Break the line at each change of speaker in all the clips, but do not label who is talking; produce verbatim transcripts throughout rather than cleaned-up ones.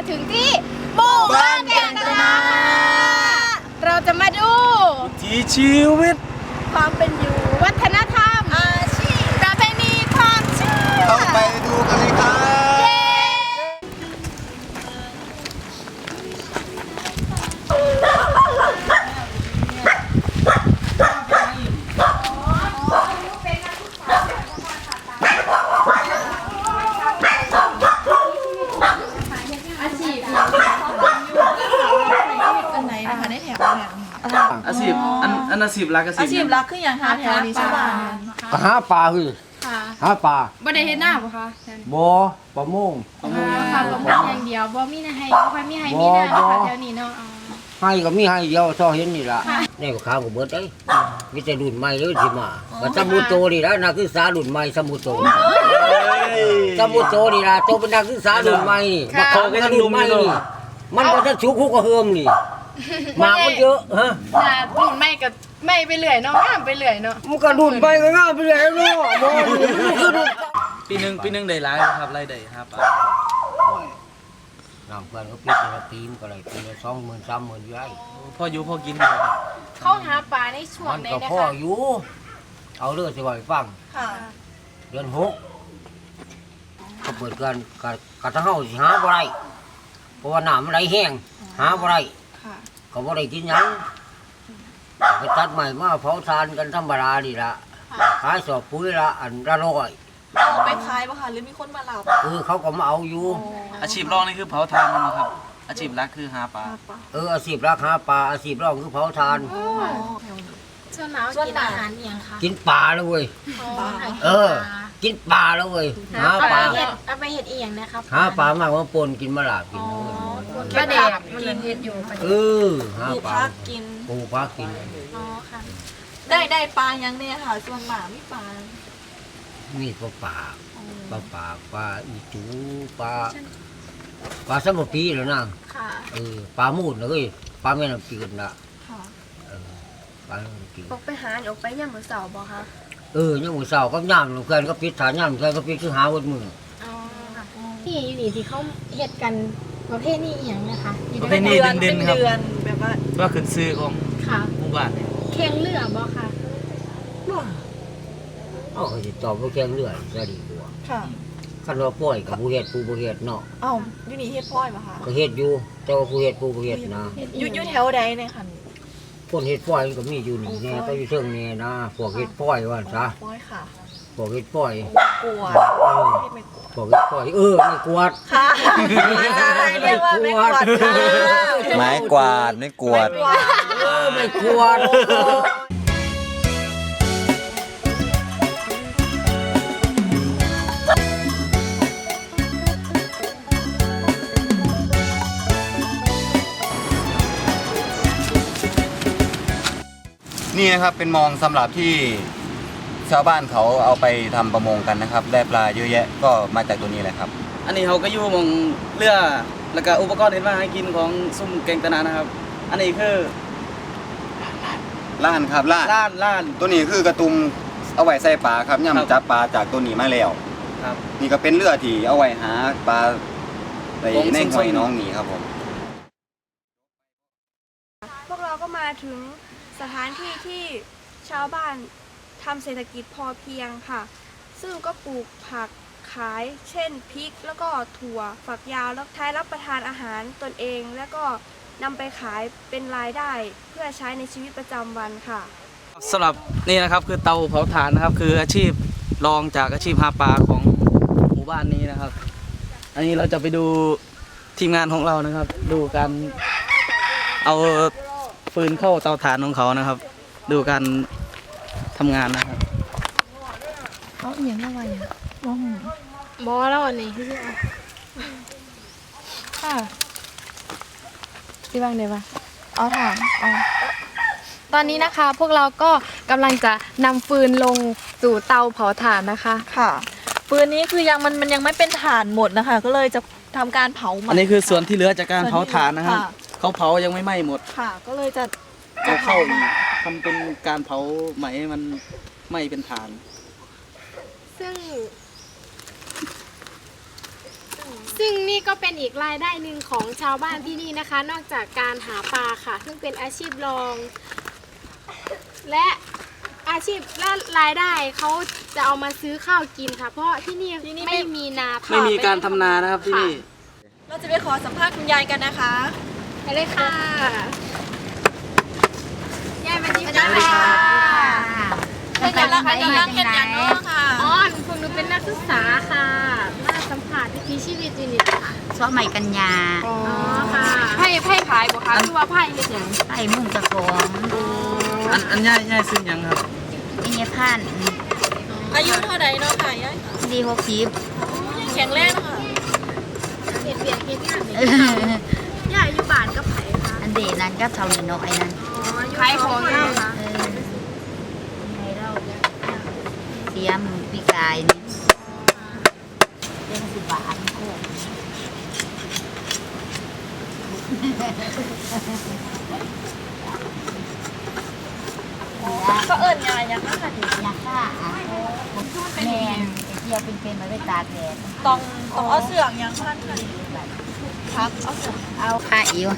ถึงที่หมู่บ้านแก่งตนาเราจะมาดู
ที่ชีวิต
ความเป็นอยู่วัฒนธรรมอาชีพประเพณีความเชื่อ
เข้าไปดูกันเลยครับ
อาชีพอันอันอาชีพรักอาชีพ
อาชีพรักคืออย่างหาแถวนี้ใช่ป่ะ
ก็หาปลาคือหาปลา
บ่ได้เฮ็ดหน้าบ่คะ
บ่ปลาโมง
ค่ะปลาโมงอย่างเดียวบ่มีนาให้บ่ค่อยมีให้มีหน้าค่ะแถวนี้เนาะ
ให้ก็มีให้เดียวซอเห็นนี่ล่ะนี่ก็ข้าวก็เบิดเอ้ยมีแต่รุ่นใหม่เลยสิมาก็สมุโตนี่ล่ะนักศึกษารุ่นใหม่สมุโตสมุโตนี่ล่ะโตเป็นนักศึกษารุ่นใหม่มาขอกันรุ่นใหม่นี่มันก็จะชุกคุกก็เฮิมนี่มาก็เยอะฮะ
น่ะรุ่นใหม่ก็ไม่ไปเรื่อยเนาะงามไปเรื่อยเนาะ
มันก็รุ่นไปก็งามไปเรื่อยเนาะบ่คือรุ่น
ปีนึงปีนึงได้หลายครับรายได้ครับป้า
น้ำเพื่อนก็ปิดในปีมก็เลยปีละสองหมื่นสามหมื่นย้าย
พ่ออยู่พ่อกินอยู่
เขาหาปลาในช่วงไหนนะคะมันก็พ่อ
อยู่เอาเรื่องสิว่าให้ฟังเดือนหกก็เปิดกันกะกะทั้งเฮาสิหาบ่ได้เพราะว่าน้ำมันไหลแห้งหาบ่ได้ก็บ่ได้กินหยังไปตัดใหม่มาเผาทานกันธรรมดานี่ล่ะขายสอบปุ๋ยละอันละร้อย
เอาไปขายป่ะคะหรือมีคนมารับ
เออเขาก็มาเอาอยู่
อาชีพรองนี่คือเผาทานนะครับอาชีพหลักคือหาปลา
เอออาชีพรักหาปลาอาชีพรองคือเผาทาน
ช่วงหนาวกินอาหารอย่างคะ
กินปลาแล้วเว้ยเออกินปลาแล้วเว้ยหาปลา
เอาไปเห็ดเอียงนะครับ
หาปลามากว่าปนกินมะลากิน
ปลาแดกกินเห็ดอยู่
เออหาปลา
กิน
ปูปลากิน
อ๋อค่ะ
ได้ได้ปลายังเนี่ยค่ะส่วนหมาไม่ปลา
มีปลาปากปลาปากปลาอีจูปลาปลาสมปีแล้วนะเออปลามูดเลยปลาแม่น้ำจืดนะเออปลาแม่น้ำจืด
ออกไปหาออกไปย่ำมือเสาบ่คะ
เออย่ำมือเสาก็ย่ำเพื่อนก็ปิดฐานย่ำเพื่อนก็ปิดคือหาวัดมือ
ที่อยู่นี่ที่เขาเห็ดกันประเภทนี้อย่างนะคะ
ประเภทนี้เด่นๆครับ
แบบว่า
ว่าขึ้นซื้อของหมู่บ้าน
เคียงเรือบ่ค่ะ
อ๋อเขาจะตอบว่าแค่เรื่อยจะดีกว่า
ค่ะ
ขันว่าป่อยกับผู้เฮ็ดผู้ผู้เฮ็ดเนาะ
อ้าวอยู่นี่เฮ็ดพ่อยป่ะคะ
ก็เฮ็ดอยู่แต่ว่าผู้เฮ็ดผู้ผู้เฮ็ดนะ
อยู่อยู่แถวใดเนี่ยค่ะ
คนเฮ็ดป่อยก็มีอยู่นี่แน่ก็อยู่เชิงนี่นะพวกเฮ็ดป่อยว่าซะ
ป่อยค่ะ
พวกเฮ็ดป่อย
กวด
พวกเฮ็ดป่อยเออไม่กวาด
ค่ะเรียกว่าไม่กวาด
ไม้กวาดไม่กวาด
เออไม่กวาด
นี่นะครับเป็นมองสำหรับที่ชาวบ้านเขาเอาไปทำประมงกันนะครับได้ปลาเยอะแยะก็มาจากตัวนี้แหละครับ
อันนี้เขาก็อยู่มองเรือแล้วก็อุปกรณ์เห็นว่าให้กินของซุ่มแกงตนานะครับอันนี้คือ
ล้านครับล้าน
ล้านล้าน
ตัวนี้คือกระตุมเอาไว้ใส่ปลาครับย่ำจับปลาจากตัวนี้มาแล้ว
ครับ
นี่ก็เป็นเรือที่เอาไว้หาปลาในในห้วยน้องนี่ครับผม
พวกเราก็มาถึงสถานที่ที่ชาวบ้านทำเศรษฐกิจพอเพียงค่ะซึ่งก็ปลูกผักขายเช่นพริกแล้วก็ถั่วฝักยาวแล้วใช้รับประทานอาหารตนเองแล้วก็นำไปขายเป็นรายได้เพื่อใช้ในชีวิตประจำวันค่ะ
สำหรับนี่นะครับคือเตาเผาถ่านนะครับคืออาชีพรองจากอาชีพหาปลาของหมู่บ้านนี้นะครับอันนี้เราจะไปดูทีมงานของเรานะครับดูการเอาฟืนเข้าเตาถ่านของเขานะครับดูการทำงานนะครับ
เขาเอียงอะไรอ่ะมองบอแล้วอันนี้คือค่ะที่บ้างเดี๋ยวมาเอาถ่านเอาตอนนี้นะคะพวกเราก็กำลังจะนำฟืนลงสู่เตาเผาถ่านนะคะ
ค่ะฟืนนี้คือยังมันมันยังไม่เป็นถ่านหมดนะคะก็เลยจะทำการเผา
อันนี้คือส่วนที่เหลือจากการเผาถ่านนะครับเขาเผายังไม่ไหม้หมด
ค่ะก็เลยจะ
เอาเข้าทำเป็นการเผาไหมมันไหม้เป็นถ่าน
ซึ่ง
ซึ่งนี่ก็เป็นอีกรายได้หนึ่งของชาวบ้านที่นี่นะคะ นอกจากการหาปลาค่ะ ซึ่งเป็นอาชีพรอง และอาชีพและรายได้เขาจะเอามาซื้อข้าวกินค่ะ เพราะที่นี่
ที่นี่ไม่
ไม่มีนา
ไม่มีการทำนานะครับที่นี่
เราจะไปขอสัมภาษณ์คุณยายกันนะคะ
ไปเลยค่ะยายมาดี
สวัสดีค่ะ เป็นอย่างไรเป็นอย่างเห็นอย่างเนาะค่ะ
อ๋อพวกหนูเป็นนักศึกษาค่ะมาสัมผัสวิถีชีวิตอยู่นี่ค่ะ
ซ้อใหม่กันยา
อ๋อค่ะไพ่ไพ่ขายบ่คะคือว่าไพ่เฮ็ดหยัง
ไอ้มุ่งกระของ
อันอันย่ายย่ายซื้อหยังครับ
นี่เนี่ยพัน
อายุเท่าไหร่เนาะค่ะยาย
ดีหกสิบ
ยังแข็งแรงเนาะค่ะ
เฮ็ดเวียกเฮ็ดงานนี่ยายอยู่บ้านกับไผคะ
อันเดนั้นก็เท่านี้น้อยนั้น
ขายของอยู่ค่ะ
เออไงเราเสียมอปีกายนี่เรื่องสิบบาทโคก
ก็เอิญยายยังนะคะนี่
อยากฆ่าอ่ะแมนเที่ยวเป็นๆมาด้วยตาแดด
ต้องต้องเอาเสื่องยังพันค่ะครับเอาเสื่อง
เอาค่าอิ๋ว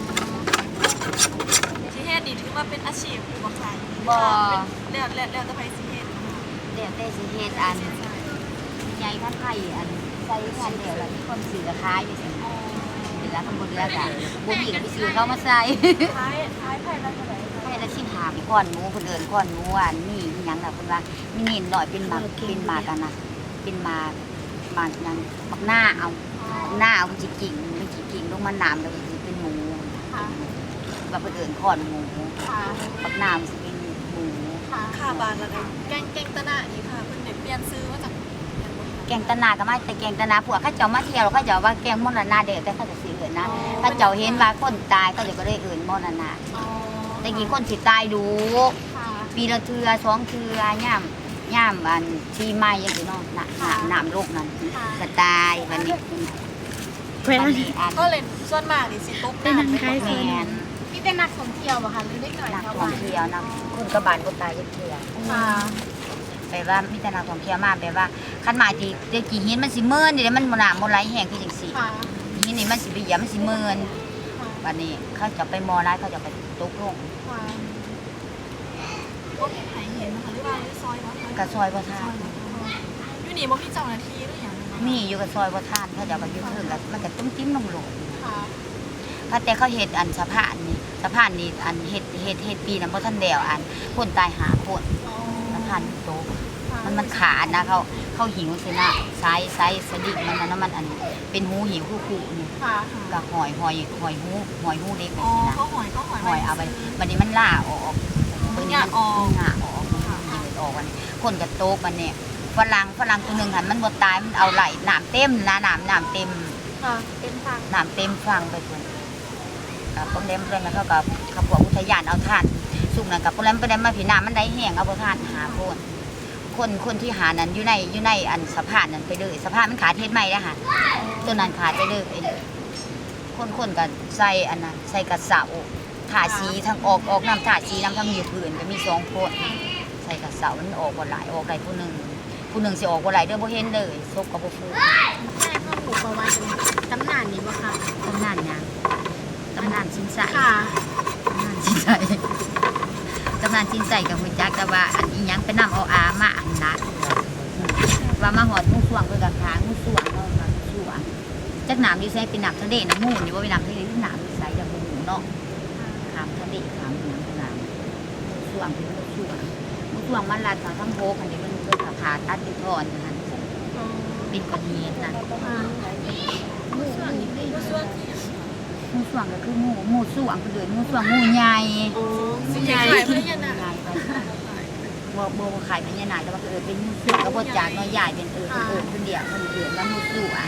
ที่เฮ็ดนี่ถือว่าเป็นอาชีพหรือว่าขาย
บ่
แล้วแล้วแล้วจะไปสิเฮ็ด
เดี๋ยวแต่สิเฮ็ดอันใหญ่ขั้นไผ่อันใส่งานเดี๋ยวแล้วมีคนซื้อกับขายไปสิเหลือทั้งหมดเหลือกันบ่มีก็ไปซื้อเขามาใส่
ท้ายท้ายไผ่ละเท่าไหร่
ไผ่ละสิบห้าไปก้อนหมูเพิ่นเอิ้นก้อนหมูอันนี้อิหยังล่ะเพิ่นว่ามีนิดหน่อยเป็นหมากเป็นหมากกันนะเป็นหมากหมากหยังหมากหน้าเอาหน้าเอามันสิกิ่งมันสิกิ่งลงมาน้ำแล้วก็สิเป็นหมูว่าเพิ่นเอิ้นก้อนหมูหมากหน้ามันสิเป็นหมู
ค่าบานละกันแกงแกงตะหน้านี่ค่ะเพิ่นได้เปลี่ยนซื้อมาจาก
แกงตะนาก็มาแต่แกงตะนาพวกเขาเจ้ามาเที่ยวเขาเจ้าว่าแกงมรณะเด้อแต่เขาจะสิเอิ้นนะเขาเจ้าเห็นว่าคนตายเขาเจ้าก็เลยเอิ้นมรณะแต่กี้คนสิตายดูปีละเทื่อสองเทื่อย่ามย่ามอันที่ไม้ยังสิเนาะน้ำน้ำน้ำโลกนั้นก็ตายวันนี้วันนี้อัน
ก็เลยส่วนมากนี่สิตก
เป็นนักขาย
แม
ซื้อ
น
มีแต่นักท่องเที่ยวบ่คะหรือเด็กน้อย
นัก
ชาว
ท่อ
บ้าง น
เที่ยวนะคนกระบาลก็ตายยักเทื่อ
ค่ะ
แปลว่ามีแต่นักท่องเที่ยวมาแปลว่าคันหมายที่เด็กกี่หินมันสิเมินเดี๋ยวมันบ่น้ำบ่ไหลแห้งคือจังซี่
ค่ะ
หินนี่มันสิไปเหยียบมันสิเมินวันนี้เขาจะไปมอร้ายเขาจะไปตกลง
ค่ะ
บ่มีไผเห็นนะคะหรือว่าซอยบ่คะ
กระซอยบ่ทาน
อยู่นี่บ่มีเจ้าหน้าที่หรือหยังนะคะ
มีอยู่กับซอยบ่ทานเขาจะไปยืดเทิงกันมันก็ตุ้มจิ้มลงโหลด
ค่ะ
พระแต่เขาเฮ็ดอันสะพานนี่สะพานนี่อันเฮ็ดเฮ็ดเฮ็ดปีนั้นบ่ทันแล้วอันคนตายหาคนสะพานโตกมันมันขาดนะเขาเขาหิวสินะไซส์ไซส์สดิมันนะมันอันเป็นหูหิวคู่ๆนี่
ค่ะ
ก็หอยหอยหอยหูหอยหูเล็กไป
อ๋อ
สินะ
เขาหอยเขาหอย
หอยเอาไปบัดนี้มันล่าออกบัดนี้มันง่าออกมันออกวันนี้คนก็โตกมันเนี่ยฝรั่งฝรั่งตัวหนึงหันมันบ่ตายมันเอาไหลน้ำเต็มนะน้ำน้ำเต็ม
ค่ะเป็นทาง
น้ำเต็มฟังไปคนกับพวกเล่มเรื่องนั้นเขากับขับพวกอุทยานเอาท่านสุกนั่นกับพวกเล่มไปได้มาผีน้ำมันได้แห้งเอาพวกท่านหาโคนคนคนที่หานั้นอยู่ในอยู่ในอันสะพานนั้นไปเลยสะพานมันขาดเทศใหม่แล้วค่ะตัวนั้นขาดไปเลยคนคนกับใส่อันนั้นใส่กระเสาถาสีทั้งออกออกน้ำถาสีน้ำทั้งมีผื่นก็มีสองคนใส่กระเสามันออกกว่าหลายออกได้ผู้หนึ่งผู้หนึ่งสิออกกว่าหลายเด้อบ่เห็นเลยซบกับบ่ฟู
ใช่พ่อหมูประวัติตำนานนี้บ่คะ
ตำนานยังตำนานสินใส
ค่ะ
ตำนานสินใสตำนานสินใสกับหุ่นจักแต่ว่าอันนี้ยังไปนำเอาอามาอันนะว่ามาหอดงูสวงเพื่อกับขางูสวงเนาะมางูสวงจักหนามอยู่ใส่เป็นหนามทะเลน้ำมูนอยู่ว่าเป็นหนามทะเลหรือหนามอยู่ใส่จากหมูเนาะขามทะเลขามหนามขามงูสวงเป็นงูสวงงูสวงมันลาดทางทั้งโพกันนี้มันเป็นขาขาตัดเป็นทอนนะเป็นกระเทียมนะ
หมูส่วนนี้ได้
งูสวงก็คืองูงูสวงคือเดือนงูสวงงูใหญ่
สิใหญ่เพื่อนน่ะ
ใหญ่ไปบ่บ่บ่ขายเป็นยานาแต่ว่าคือเออเป็นงูสวงก็บ่จากน้อยใหญ่เป็นเออเป็นเออเป็นเดียวมันเดือนว่างูสวง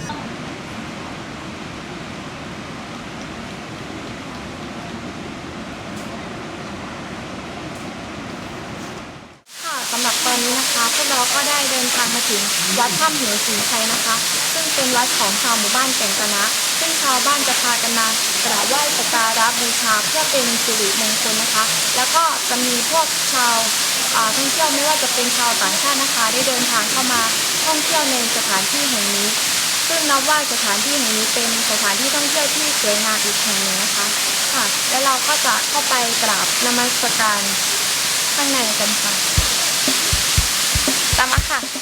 ค่ะสำหรับตอนนี้นะคะพวกเราก็ได้เดินทางมาถึงวัดถ้ำเหวศรีชัยนะคะ ซึ่งเป็นวัดของชาวหมู่บ้านแก่งตะนะ ซึ่งชาวบ้านจะพากันมากราบไหว้สักการะบูชาเพื่อเป็นสิริมงคลนะคะ แล้วก็จะมีพวกชาวอ่าท่องเที่ยวไม่ว่าจะเป็นชาวต่างชาตินะคะ ได้เดินทางเข้ามาท่องเที่ยวในสถานที่แห่งนี้ ซึ่งนับว่าสถานที่แห่งนี้เป็นสถานที่ท่องเที่ยวที่สวยงามอีกแห่งหนึ่งนะคะค่ะและเราก็จะเข้าไปกราบนมัสการข้างในกันค่ะตามมาค่ะ